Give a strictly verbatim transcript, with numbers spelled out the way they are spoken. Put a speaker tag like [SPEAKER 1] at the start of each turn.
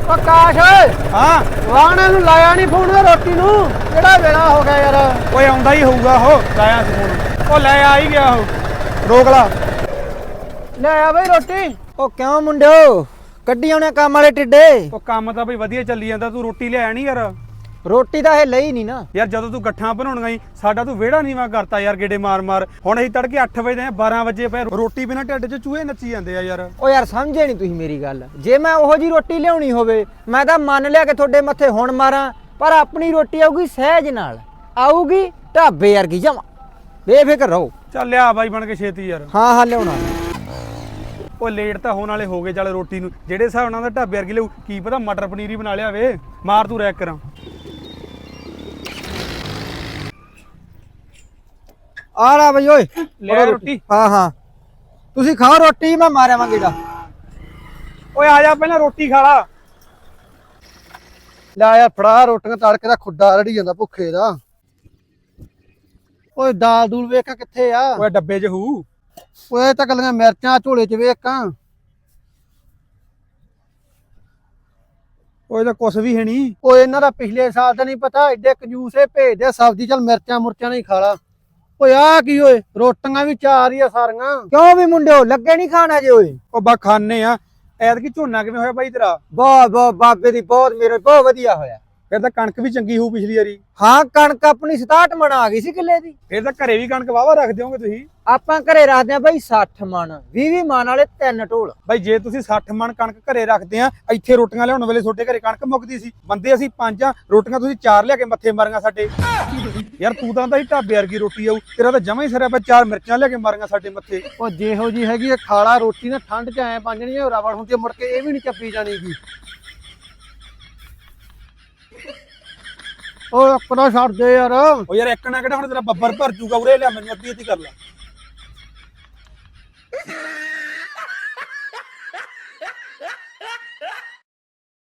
[SPEAKER 1] ਆਕਾਸ਼ ਓਏ
[SPEAKER 2] ਹਾਂ
[SPEAKER 1] ਵਾਹਣੇ ਨੂੰ ਲਾਇਆ ਨਹੀਂ ਫੋਨ ਰੋਟੀ ਨੂੰ ਕਿਹੜਾ ਵੇਲਾ ਹੋ ਗਿਆ ਯਾਰ
[SPEAKER 2] ਓਏ ਆਉਂਦਾ ਹੀ ਹੋਊਗਾ ਉਹ ਲਾਇਆ ਸੀ ਫੋਨ ਉਹ ਲੈ ਆ ਹੀ ਗਿਆ ਉਹ ਰੋਕ ਲਾ
[SPEAKER 1] ਲੈ ਆ ਬਈ ਰੋਟੀ
[SPEAKER 3] ਉਹ ਕਿਉਂ ਮੁੰਡਿਓ ਕੱਢੀ ਆਉਣੇ ਕੰਮ ਵਾਲੇ ਟਿੱਡੇ।
[SPEAKER 2] ਉਹ ਕੰਮ ਤਾਂ ਬਈ ਵਧੀਆ ਚੱਲੀ ਜਾਂਦਾ ਤੂੰ ਰੋਟੀ ਲਿਆਇਆ ਨਹੀਂ ਯਾਰ
[SPEAKER 3] ਰੋਟੀ ਤਾਂ ਇਹ ਲਈ ਨਹੀਂ ਨਾ
[SPEAKER 2] ਯਾਰ ਜਦੋਂ ਤੂੰ ਗੱਠਾਂ ਬਣਾਉਣਗਾ ਹੀ ਸਾਡਾ ਤੂੰ ਵਿਹੜਾ ਨੀਵਾ ਕਰਤਾ ਯਾਰ ਗੇੜੇ ਮਾਰ ਮਾਰ ਹੁਣ ਅਸੀਂ ਤੜਕੇ ਅੱਠ ਵਜੇ ਦੇ ਬਾਰਾਂ ਵਜੇ ਪਏ ਰੋਟੀ ਬਿਨਾਂ ਢਿੱਡ 'ਚ ਚੂਹੇ ਨੱਚੀ ਜਾਂਦੇ ਆ ਯਾਰ।
[SPEAKER 3] ਉਹ ਯਾਰ ਸਮਝੇ ਨਹੀਂ ਤੁਸੀਂ ਮੇਰੀ ਗੱਲ। ਜੇ ਮੈਂ ਉਹੋ ਜੀ ਰੋਟੀ ਲਿਆਉਣੀ ਹੋਵੇ ਮੈਂ ਤਾਂ ਮੰਨ ਲਿਆ ਕਿ ਤੁਹਾਡੇ ਮੱਥੇ ਹੁਣ ਮਾਰਾਂ, ਪਰ ਆਪਣੀ ਰੋਟੀ ਆਊਗੀ ਸਹਿਜ ਨਾਲ, ਆਊਗੀ ਢਾਬੇ ਵਰਗੀ ਜਮਾ, ਬੇਫਿਕਰ ਰਹੋ।
[SPEAKER 2] ਚੱਲ ਲਿਆ ਬਾਈ ਬਣ ਕੇ ਛੇਤੀ ਯਾਰ।
[SPEAKER 3] ਹਾਂ ਹਾਂ ਲਿਆਉਣਾ।
[SPEAKER 2] ਉਹ ਲੇਟ ਤਾਂ ਹੋਣ ਵਾਲੇ ਹੋ ਗਏ ਚੱਲ ਰੋਟੀ ਨੂੰ ਜਿਹੜੇ ਹਿਸਾਬ ਨਾਲ ਦਾ ਢਾਬੇ ਵਰਗੀ ਲਿਆਊ ਕੀ ਪਤਾ ਮਟਰ ਪਨੀਰ ਹੀ ਬਣਾ ਲਿਆ ਵੇ। ਮਾਰ ਤੂੰ ਰੈਕ ਕਰਾਂ
[SPEAKER 3] ਆ ਰਾ ਬਈ ਓਏ
[SPEAKER 2] ਲੈ ਰੋਟੀ।
[SPEAKER 3] ਹਾਂ ਹਾਂ ਤੁਸੀਂ ਖਾਓ ਰੋਟੀ, ਮੈਂ ਮਾਰਿਆ ਵਾਂ ਗੇੜਾ।
[SPEAKER 2] ਓਏ ਆ ਜਾ ਪਹਿਲਾਂ ਰੋਟੀ ਖਾ ਲਾ।
[SPEAKER 1] ਲੈ ਯਾਰ ਫੜਾ ਰੋਟੀਆਂ ਤੜਕੇ ਦਾ ਖੁੱਡਾ ਰੜੀ ਜਾਂਦਾ ਭੁੱਖੇ ਦਾ। ਓਏ ਦਾਲ ਦੂਲ ਵੇਖ ਕਿੱਥੇ ਆ?
[SPEAKER 2] ਓਏ ਡੱਬੇ 'ਚ ਹੂ
[SPEAKER 1] ਓਏ ਤਾਂ ਗੱਲਾਂ ਮਿਰਚਾਂ ਝੋਲੇ 'ਚ ਵੇਖਾਂ।
[SPEAKER 2] ਓਏ ਤਾਂ ਕੁਛ ਵੀ ਹੈ ਨਹੀਂ।
[SPEAKER 1] ਓਏ ਇਹਨਾਂ ਦਾ ਪਿਛਲੇ ਸਾਲ ਦਾ ਨਹੀਂ ਪਤਾ, ਐਡੇ ਕੰਜੂਸੇ ਭੇਜਦੇ ਸਬਜ਼ੀ, ਚੱਲ ਮਿਰਚਾਂ ਮੁਰਚਾਂ ਨਹੀਂ ਖਾ ਲਾ। ਓਏ ਆ ਕੀ ਓਏ ਰੋਟੀਆਂ ਵੀ ਚਾਰ ਹੀ ਆ ਸਾਰੀਆਂ।
[SPEAKER 3] ਕਿਉਂ ਵੀ ਮੁੰਡਿਓ ਲੱਗੇ ਨਹੀਂ ਖਾਣਾ ਜੇ ਓਏ?
[SPEAKER 2] ਉਹ ਬਾ ਖਾਣੇ ਆ। ਐਤਕੀ ਝੋਨਾ ਕਿਵੇਂ ਹੋਇਆ ਬਾਈ ਤੇਰਾ?
[SPEAKER 3] ਬਹੁਤ ਬਹੁਤ ਬਾਬੇ ਦੀ ਬਹੁਤ ਮੇਰੇ ਬਹੁਤ ਵਧੀਆ ਹੋਇਆ।
[SPEAKER 2] ਫਿਰ ਤਾਂ ਕਣਕ ਵੀ ਚੰਗੀ ਹੋਊ ਪਿਛਲੀ ਵਾਰੀ।
[SPEAKER 3] ਹਾਂ ਕਣਕ ਆਪਣੀ ਸਤਾਹਠ ਮਣ ਆ ਗਈ ਸੀ ਕਿੱਲੇ ਦੀ।
[SPEAKER 2] ਫਿਰ ਤਾਂ ਘਰੇ ਵੀ ਕਣਕ ਵਾਵਾ ਰੱਖ ਦਿਓਗੇ ਤੁਸੀਂ।
[SPEAKER 3] ਆਪਾਂ ਘਰੇ ਰੱਖਦੇ ਆ ਬਾਈ ਸੱਠ ਮਣ, ਵੀਹ ਵੀਹ ਮਣ ਵਾਲੇ ਤਿੰਨ ਢੋਲ।
[SPEAKER 2] ਬਾਈ ਜੇ ਤੁਸੀਂ ਸੱਠ ਮਣ ਕਣਕ ਘਰੇ ਰੱਖਦੇ ਆ, ਇੱਥੇ ਰੋਟੀਆਂ ਲਿਆਉਣ ਵੇਲੇ ਤੁਹਾਡੇ ਘਰੇ ਕਣਕ ਮੁੱਕਦੀ ਸੀ। ਬੰਦੇ ਅਸੀਂ ਪੰਜ ਆ, ਰੋਟੀਆਂ ਤੁਸੀਂ ਚਾਰ ਲਿਆ ਕੇ ਮੱਥੇ ਮਾਰੀਆਂ ਸਾਡੇ। ਯਾਰ ਤੂੰ ਤਾਂ ਹੀ ਢਾਬੇ ਵਰਗੀ ਰੋਟੀ ਆਊ, ਤੇਰਾ ਤਾਂ ਜਮਾ ਹੀ ਸਰਿਆ ਪਿਆ, ਚਾਰ ਮਿਰਚਾਂ ਲਿਆ ਕੇ ਮਾਰੀਆਂ ਸਾਡੇ ਮੱਥੇ।
[SPEAKER 1] ਉਹ ਜਿਹੋ ਜੀ ਹੈਗੀ ਖਾਲਾ ਰੋਟੀ ਨਾ ਠੰਡ 'ਚ ਐ ਪੰਜਣੀ ਰਬੜ ਹੁੰਦੀ ਮੁੜ ਕੇ ਇਹ ਵੀ ਨਹੀਂ ਚੱਪੀ ਜਾਣੀਗੀ। ਓਏ ਆਪਣਾ ਛੱਡ ਦੇ ਯਾਰ।
[SPEAKER 2] ਉਹ ਯਾਰ ਇੱਕ ਨਾ ਕਿਹੜਾ ਹੁਣ ਤੇਰਾ ਬੱਬਰ ਭਰ ਜੂਗਾ, ਉਰੇ ਲਿਆ ਮੈਨੂੰ ਅੱਧੀ ਅੱਧੀ ਕਰ ਲੈ।